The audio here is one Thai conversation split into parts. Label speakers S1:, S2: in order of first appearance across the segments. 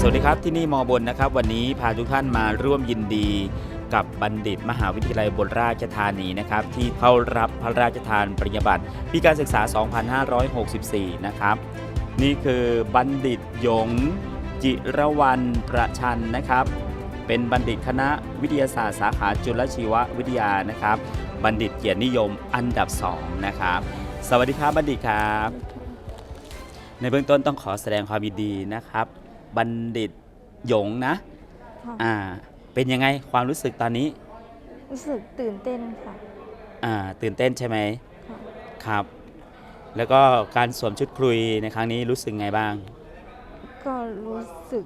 S1: วัสดีครับที่นี่มอบนนะครับวันนี้พาทุกท่านมาร่วมยินดีกับบัณฑิตมหาวิทยาลัยอุบลราชธานีนะครับที่เข้ารับพระราชทานปริญญาบัตรปีการศึกษา 2564 นะครับนี่คือบัณฑิตหยงจิรวรรณประชันนะครับเป็นบัณฑิตคณะวิทยาศาสตร์สาขาจุลชีววิทยานะครับบัณฑิตเกียรตินิยมอันดับ 2 นะครับสวัสดีครับบัณฑิตครับในเบื้องต้นต้องขอแสดงความยินดีนะครับบัณฑิตหยงนะเป็นยังไงความรู้สึกตอนนี้
S2: รู้สึกตื่นเต้นค่ะ
S1: ตื่นเต้นใช่ไหมครับแล้วก็การสวมชุดคุยในครั้งนี้รู้สึกไงบ้าง
S2: ก็รู้สึก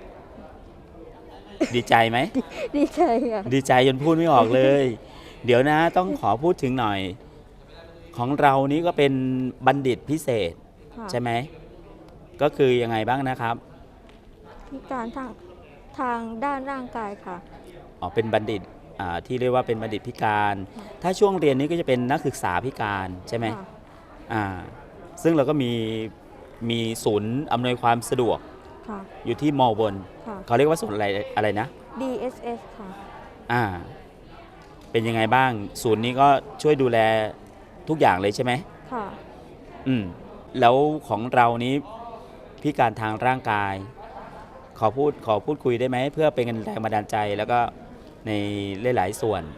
S1: ดีใจไหม
S2: ดีใจค่ะ
S1: ดีใจจนพูดไม่ออกเลยเดี๋ยวนะต้องขอพูดถึงหน่อยของเรานี้ก็เป็นบัณฑิตพิเศษใช่ไหมก็คือยังไงบ้างนะครับ
S2: พิการทางด้านร่างกายค่ะ
S1: เป็นบัณฑิตที่เรียกว่าเป็นบัณฑิตพิการถ้าช่วงเรียนนี้ก็จะเป็นนักศึกษาพิการใช่ไหมซึ่งเราก็มีศูนย์อำนวยความสะดวกอยู่ที่มอบนเขาเรียกว่าศูนย์อะไรนะ
S2: DSS ค่ะ
S1: เป็นยังไงบ้างศูนย์นี้ก็ช่วยดูแลทุกอย่างเลยใช่ไหม
S2: ค่ะ
S1: แล้วของเรานี้พิการทางร่างกายขอพูดคุยได้ไหมเพื่อเป็นแรงบันดาลใจแล้วก็ในหลายๆส่วน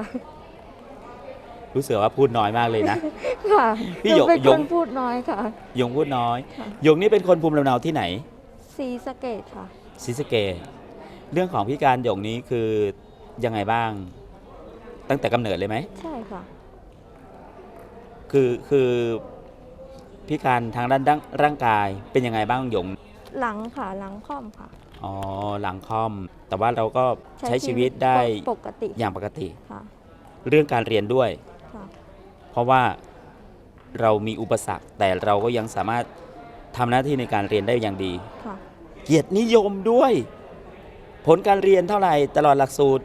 S1: รู้สึกว่าพูดน้อยมากเลยนะ
S2: ค่ะ
S1: พี่หยง
S2: พูดน้อยค่ะ
S1: หยงพูดน้อยหยงนี่เป็นคนภูมิลำเนาที่ไหน
S2: ศรีสะเกษค่ะ
S1: ศรีสะเกษเรื่องของพิการหยงนี้คือยังไงบ้างตั้งแต่กำเนิดเลยไหม
S2: ใช่ค่ะ
S1: คือพิการทางด้านร่างกายเป็นยังไงบ้างหยง
S2: หลังค่ะหลังค่อมค่ะ
S1: หลังค่อมแต่ว่าเราก็ใช้ชีวิตได้
S2: ปกติ
S1: อย่างปกติ
S2: ค่ะ
S1: เรื่องการเรียนด้วยเพราะว่าเรามีอุปสรรคแต่เราก็ยังสามารถทำหน้าที่ในการเรียนได้อย่างดีเกียรตินิยมด้วยผลการเรียนเท่าไหร่ตลอดหลักสูตร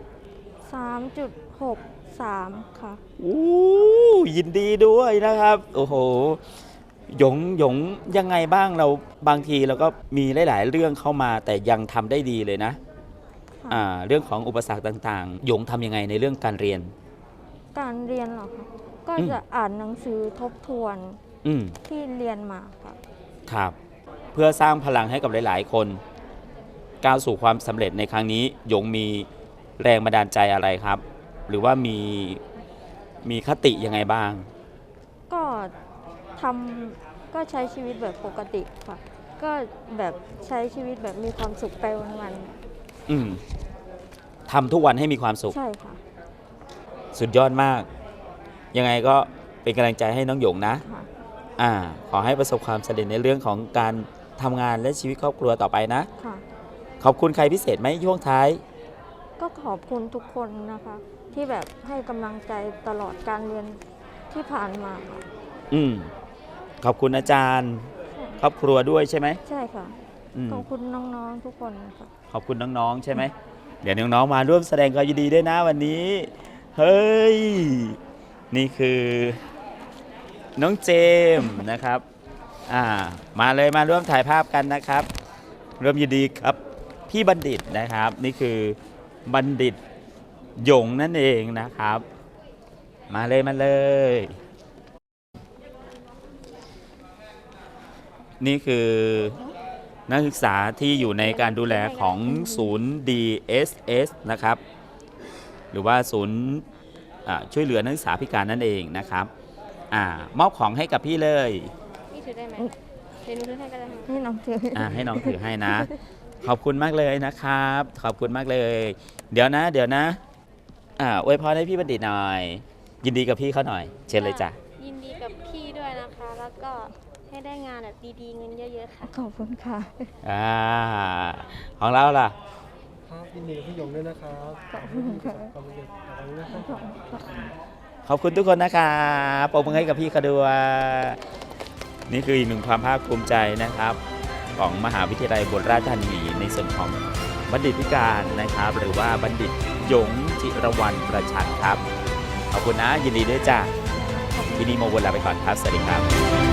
S2: 3.63 ค่ะ
S1: ยินดีด้วยนะครับโอ้โหหยงยังไงบ้างเราบางทีเราก็มีหลายๆเรื่องเข้ามาแต่ยังทำได้ดีเลยนะเรื่องของอุปสรรคต่างๆหยงทำยังไงในเรื่องการเรียน
S2: เหรอคะก็จะอ่านหนังสือทบทวนที่เรียนมา
S1: ครับเพื่อสร้างพลังให้กับหลายๆคนก้าวสู่ความสำเร็จในครั้งนี้หยงมีแรงบันดาลใจอะไรครับหรือว่ามีคติยังไงบ้าง
S2: ก็ใช้ชีวิตแบบปกติค่ะก็แบบใช้ชีวิตแบบมีความสุขไปวัน
S1: ทำทุกวันให้มีความสุข
S2: ใช่ค่ะ
S1: สุดยอดมากยังไงก็เป็นกำลังใจให้น้องหยงนะขอให้ประสบความสำเร็จในเรื่องของการทำงานและชีวิตครอบครัวต่อไปนะขอบคุณใครพิเศษไหมช่วงท้าย
S2: ก็ขอบคุณทุกคนนะคะที่แบบให้กำลังใจตลอดการเรียนที่ผ่านมาค่ะ
S1: ขอบคุณอาจารย์ครอบครัวด้วยใช่ไหม
S2: ใช่ค่ะขอบคุณน้องๆทุกคนค่ะ
S1: ขอบคุณน้องๆใช่ไหมเดี๋ยวน้องๆมาร่วมแสดงความยินดีด้วยนะวันนี้เฮ้ยนี่คือน้องเจมส์นะครับมาเลยมาร่วมถ่ายภาพกันนะครับร่วมยินดีครับพี่บัณฑิตนะครับนี่คือบัณฑิตหยงนั่นเองนะครับมาเลยนี่คือนักศึกษาที่อยู่ในการดูแลของศูนย์ DSS นะครับหรือว่าศูนย์ช่วยเหลือนักศึกษาพิการนั่นเองนะครับมอบของให้กับพี่เลย
S2: พี่ถือได้ไหมเดี๋ยวหนูถือให้ก็ได้ให้น้องถือ
S1: ให้น้องถือให้นะขอบคุณมากเลยนะครับขอบคุณมากเลยเดี๋ยวนะอวยพรให้พี่บัณฑิตหน่อยยินดีกับพี่เขาหน่อยเชิญเลยจ้ะ
S2: ยินดีกับพี่ด้วยนะคะแล้วก็ให้ได้งานแบบดีๆเงินเยอะๆค่ะขอบคุณค่ะ
S1: ของเราล่ะ
S3: ครับยินดีกับพี่หยงด้วยนะครับขอบคุณค่ะ
S1: ขอบคุณทุกคนนะครับปรบมือให้กับพี่เขาด้วยนี่คืออีกหนึ่งความภาคภูมิใจนะครับของมหาวิทยาลัยอุบลราชธานีในส่วนของบัณฑิตพิการนะครับหรือว่าบัณฑิตหยงจิรวรรณประชันครับขอบคุณนะยินดีด้วยจ้าที่นี่โมบนลาไปก่อนครับสวัสดีครับ